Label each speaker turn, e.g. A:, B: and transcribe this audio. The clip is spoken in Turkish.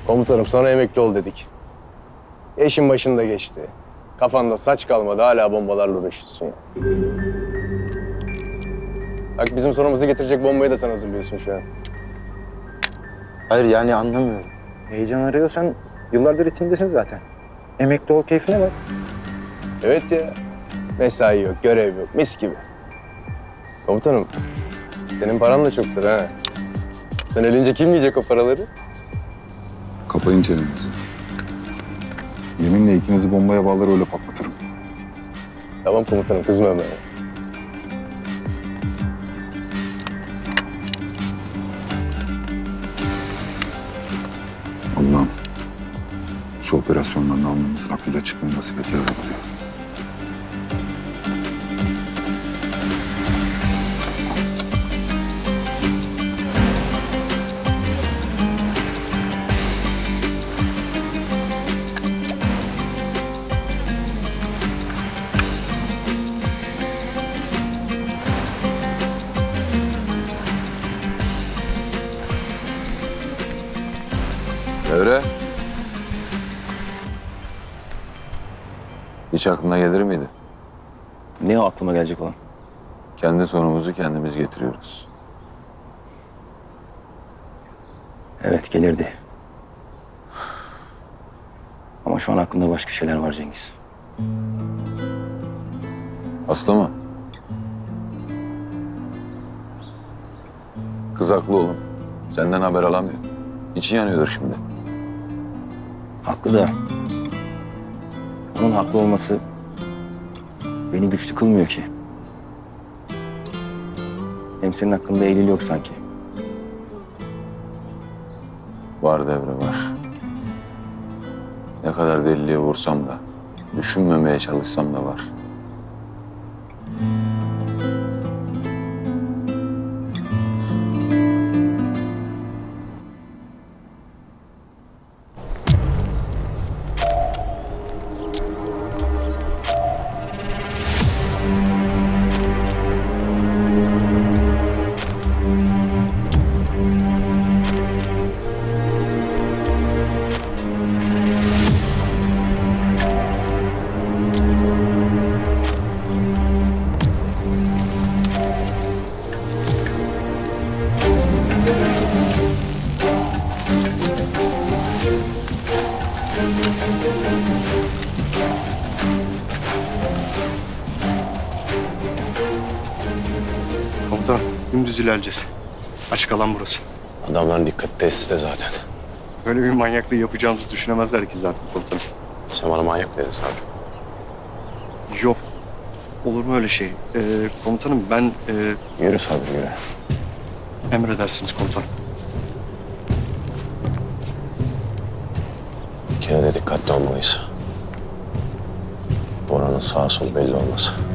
A: Komutanım sana emekli ol dedik. Eşin başında geçti. Kafanda saç kalmadı hala bombalarla uğraşıyorsun ya. Bak bizim sonumuzu getirecek bombayı da sen hazırlıyorsun şu an.
B: Hayır yani anlamıyorum. Heyecan arıyorsan yıllardır içindesin zaten. Emekli ol, keyfine bak.
A: Evet ya. Mesai yok, görev yok, mis gibi. Komutanım, senin paran da çoktur ha. Sen ölünce kim yiyecek o paraları?
C: Kapayın çenenizi. Yeminle ikinizi bombaya bağlar öyle patlatırım.
A: Tamam komutanım, kızma hemen.
C: Allah'ım şu operasyondan alnımızın akıyla çıkmayı nasip et ya Rabbi.
D: Devre. Hiç aklına gelir miydi?
B: Ne o aklıma gelecek olan?
D: Kendi sonumuzu kendimiz getiriyoruz.
B: Evet gelirdi. Ama şu an aklımda başka şeyler var Cengiz.
D: Aslı mı? Kız haklı oğlum. Senden haber alamıyor. İçi yanıyordur şimdi.
B: Haklı da onun haklı olması beni güçlü kılmıyor ki. Hem senin hakkında Eylül yok sanki.
D: Var Devre var. Ne kadar deliliğe vursam da, düşünmemeye çalışsam da var.
E: Komutanım, dümdüz ilerleyeceğiz. Açık alan burası.
A: Adamların dikkat tesiste zaten.
E: Böyle bir manyaklığı yapacağımızı düşünemezler ki zaten komutanım.
A: Sen bana manyak dedin Sabri.
E: Yok. Olur mu öyle şey? Komutanım ben...
A: Yürü Sabri yürü.
E: emredersiniz komutanım.
A: Bir kere de dikkatli olmalıyız. Bora'nın sağ sol belli olmaz.